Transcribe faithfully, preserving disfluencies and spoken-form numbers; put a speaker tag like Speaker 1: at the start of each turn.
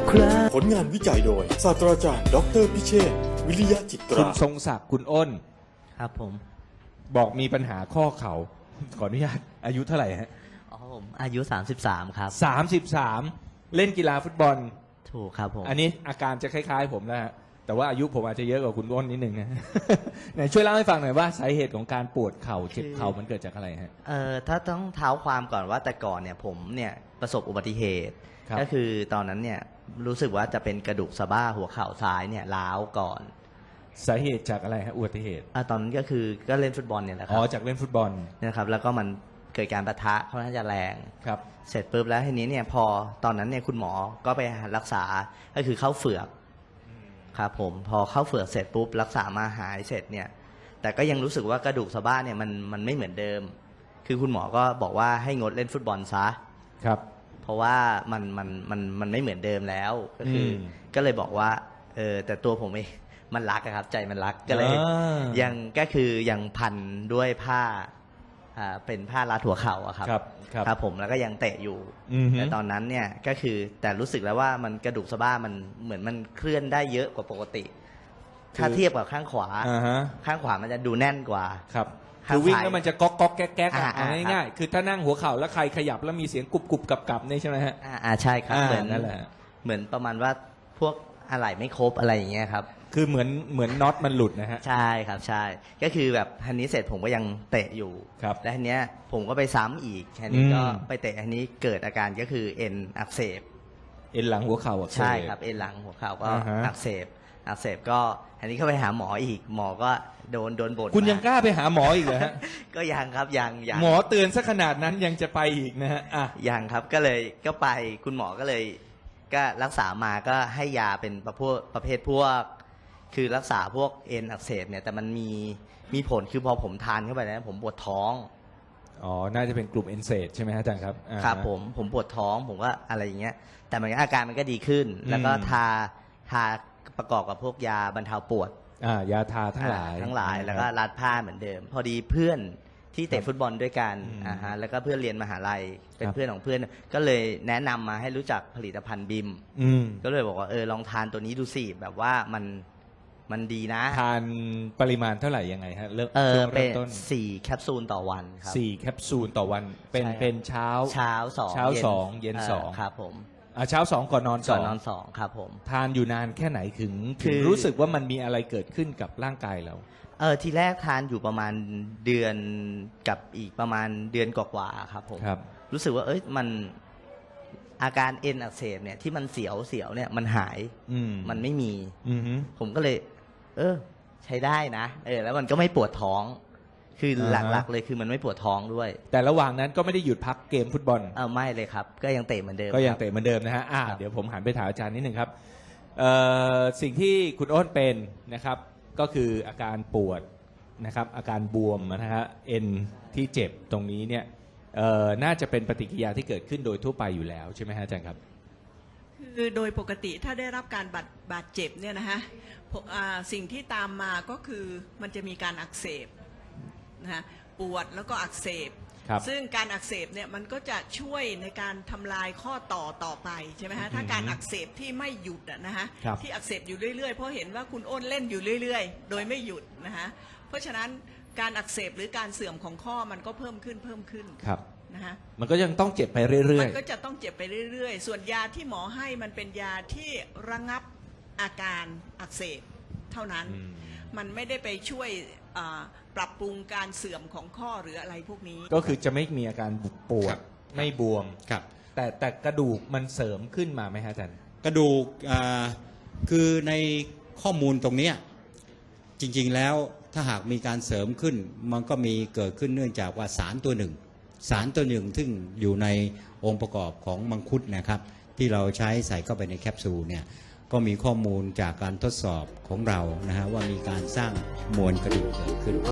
Speaker 1: ครา
Speaker 2: ผลงานวิจัยโดยศาสตราจารย์ดอกเตอรพิเชษฐ์วิริยะจิต
Speaker 3: คุณ
Speaker 2: รา
Speaker 3: ทรงศักดิ์คุณอ้น
Speaker 1: ครับผม
Speaker 3: บอกมีปัญหาข้อเข่าขออนุญาตอายุเท่าไหร่ฮะ
Speaker 1: อ๋อผมอายุสามสิบสามครับ
Speaker 3: สามสิบสามเล่นกีฬาฟุตบอล
Speaker 1: ถูกครับผม
Speaker 3: อันนี้อาการจะคล้ายๆผมนะฮะแต่ว่าอายุผมอาจจะเยอะกว่าคุณอ้นนิดนึงนะ ไหนช่วยเล่าให้ฟังหน่อยว่าสาเหตุของการปวดเข่าเจ็บเข่ามันเกิดจากอะไรฮะ
Speaker 1: เอ่อถ้าต้องเท้าความก่อนว่าแต่ก่อนเนี่ยผมเนี่ยประสบอุบัติเหตุก็คือตอนนั้นเนี่ยรู้สึกว่าจะเป็นกระดูกสะบ้าหัวเข่าซ้ายเนี่ยร้าวก่อน
Speaker 3: สาเหตุจากอะไรฮะอุบัติเหตุ
Speaker 1: อ่าตอนนั้นก็คือก็เล่นฟุตบอลเนี่ยแหละครับ
Speaker 3: อ๋อจากเล่นฟุตบอล
Speaker 1: นะครับแล้วก็มันเกิดการปะทะค่อนข้างจะแรง
Speaker 3: ครับ
Speaker 1: เสร็จปุ๊บแล้วทีนี้เนี่ยพอตอนนั้นเนี่ยคุณหมอก็ไปรักษาก็คือเข้าเฝือกครับผมพอเข้าเฝือกเสร็จปุ๊บรักษามาหายเสร็จเนี่ยแต่ก็ยังรู้สึกว่ากระดูกสะบ้าเนี่ยมันมันไม่เหมือนเดิมคือคุณหมอก็บอกว่าให้งดเล่นฟุตบอลซะ
Speaker 3: ครับ
Speaker 1: เพราะว่ามันมันมันมันไม่เหมือนเดิมแล้วก็คือก็เลยบอกว่าเออแต่ตัวผมเองมันรักครับใจมันรักก็เลยยังก็คือยังพันด้วยผ้าอ่าเป็นผ้ารัดหัวเข่าอะครับ
Speaker 3: ครับ
Speaker 1: ครับผมแล้วก็ยังเตะอยู่แต่ตอนนั้นเนี่ยก็คือแต่รู้สึกแล้วว่ามันกระดูกสะบ้ามันเหมือนมันเคลื่อนได้เยอะกว่าปกติถ้าเทียบกับข้างขวาข้างขวามันจะดูแน่นกว่า
Speaker 3: ครับคือวิ่งแล้วมันจะก๊อกก๊อกแก๊กแก๊กอ่ะง่ายๆคือถ้านั่งหัวเข่าแล้วใครขยับแล้วมีเสียงกรุบกรุบกับกับนี่ใช่ไหมฮะ
Speaker 1: อ่าใช่ครับเหมือน
Speaker 3: นั่นแหละ
Speaker 1: เหมือนประมาณว่าพวกอะไหล่ไม่ครบอะไรอย่างเงี้ยครับ
Speaker 3: คือเหมือนเหมือนน็อตมันหลุดนะฮะ
Speaker 1: ใช่ครับใช่ก็คือแบบทันนี้เสร็จผมก็ยังเตะอยู่
Speaker 3: ครับ
Speaker 1: และทันนี้ผมก็ไปซ้ำอีกทันนี้ก็ไปเตะทันนี้เกิดอาการก็คือเอ็นอักเสบ
Speaker 3: เอ็นหลังหัวเข่าอักเสบ
Speaker 1: ใช่ครับเอ็นหลังหัวเข่าก็อักเสบอักเสบก็ทันนี้ก็ไปหาหมออีกหมอก็โดนโดนบ่น
Speaker 3: คุณยังกล้าไปหาหมออีกเหรอฮะ
Speaker 1: ก็ยังครับยังยัง
Speaker 3: หมอเตือนซะขนาดนั้นยังจะไปอีกนะฮะอ่ะ
Speaker 1: ยังครับก็เลยก็ไปคุณหมอก็เลยก็รักษามาก็ให้ยาเป็นประเภทประเภทพวกคือรักษาพวกเอ็นอักเสบเนี่ยแต่มันมีมีผลคือพอผมทานเข้าไปแล้วผมปวดท้อง
Speaker 3: อ๋อน่าจะเป็นกลุ่มเอนเซดใช่ไหมฮะอาจารย์ครับ
Speaker 1: ครับผมผมปวดท้องผมก็อะไรอย่างเงี้ยแต่มันอาการมันก็ดีขึ้นแล้วก็ทาทาประกอบกับพวกยาบรรเทาปวด
Speaker 3: อ่ายาทาทั้งหลาย
Speaker 1: ทั้งหลายแล้วก็รัดผ้าเหมือนเดิมพอดีเพื่อนที่เตะฟุตบอลด้วยกันอ่าฮะแล้วก็เพื่อนเรียนมหาลัยเป็นเพื่อนของเพื่อนก็เลยแนะนำมาให้รู้จักผลิตภัณฑ์บิมก็เลยบอกว่าเออลองทานตัวนี้ดูสิแบบว่ามันมันดีนะ
Speaker 3: ทานปริมาณเท่าไหร่ยังไงฮะเริ่ม
Speaker 1: เออเป็นสี่แคปซูลต่อวันครับ
Speaker 3: สี่แคปซูลต่อวันเป็นเป็นเช้า
Speaker 1: เช้าสอง
Speaker 3: เช้าสองเย็นสอง
Speaker 1: ครับผม
Speaker 3: อ่าเช้าสองก่อนนอนสอง
Speaker 1: ก่อนนอนสองครับผม
Speaker 3: ทานอยู่นานแค่ไหนถึงถึงรู้สึกว่ามันมีอะไรเกิดขึ้นกับร่างกายเรา
Speaker 1: เออทีแรกทานอยู่ประมาณเดือนกับอีกประมาณเดือนกว่าๆครับผม
Speaker 3: ครับ
Speaker 1: รู้สึกว่าเอ้ยมันอาการเอ็นอักเสบเนี่ยที่มันเสียวเสียวเนี่ยมันหายมันไม่มีผมก็เลยเออใช้ได้นะเออแล้วมันก็ไม่ปวดท้องคือหลักๆเลยคือมันไม่ปวดท้องด้วย
Speaker 3: แต่ระหว่างนั้นก็ไม่ได้หยุดพักเกมฟุตบอล
Speaker 1: เออไม่เลยครับก็ยังเตะเหมือนเดิม
Speaker 3: ก็ยังเตะเหมือนเดิมนะฮะอ่าเดี๋ยวผมหันไปถามอาจารย์นิดหนึ่งครับสิ่งที่คุณอ้นเป็นนะครับก็คืออาการปวดนะครับอาการบวมนะฮะเอ็นที่เจ็บตรงนี้เนี่ยน่าจะเป็นปฏิกิริยาที่เกิดขึ้นโดยทั่วไปอยู่แล้วใช่ไหมฮะอาจารย์ครับ
Speaker 4: คือโดยปกติถ้าได้รับการบาดบาดเจ็บเนี่ยนะฮะสิ่งที่ตามมาก็คือมันจะมีการอักเสบนะฮะปวดแล้วก็อักเสบซึ่งการอักเสบเนี่ยมันก็จะช่วยในการทำลายข้อต่อต่อไปใช่ไหมฮะถ้าการอักเสบที่ไม่หยุดนะฮะที่อักเสบอยู่เรื่อยๆเพราะเห็นว่าคุณอ้นเล่นอยู่เรื่อยๆโดยไม่หยุดนะฮะเพราะฉะนั้นการอักเสบหรือการเสื่อมของข้อมันก็เพิ่มขึ้นเพิ่มขึ้นนะฮะ
Speaker 3: มันก็ยังต้องเจ็บไปเรื่อยๆ
Speaker 4: มันก็จะต้องเจ็บไปเรื่อยๆส่วนยาที่หมอให้มันเป็นยาที่ระงับอาการอักเสบเท่านั้นมันไม่ได้ไปช่วยปรับปรุงการเสื่อมของข้อหรืออะไรพวกนี้
Speaker 3: ก็คือจะไม่มีอาการปวดไม่บวมแต่แต่กระดูกมันเสริมขึ้นมาไหมฮะอาจารย์
Speaker 5: กระดูกคือในข้อมูลตรงนี้จริงๆแล้วถ้าหากมีการเสริมขึ้นมันก็มีเกิดขึ้นเนื่องจากว่าสารตัวหนึ่งสารตัวหนึ่งซึ่งอยู่ในองค์ประกอบของมังคุดนะครับที่เราใช้ใส่เข้าไปในแคปซูลเนี่ยก็มีข้อมูลจากการทดสอบของเรานะฮะว่ามีการสร้างมวลกระดูกเกิดขึ้น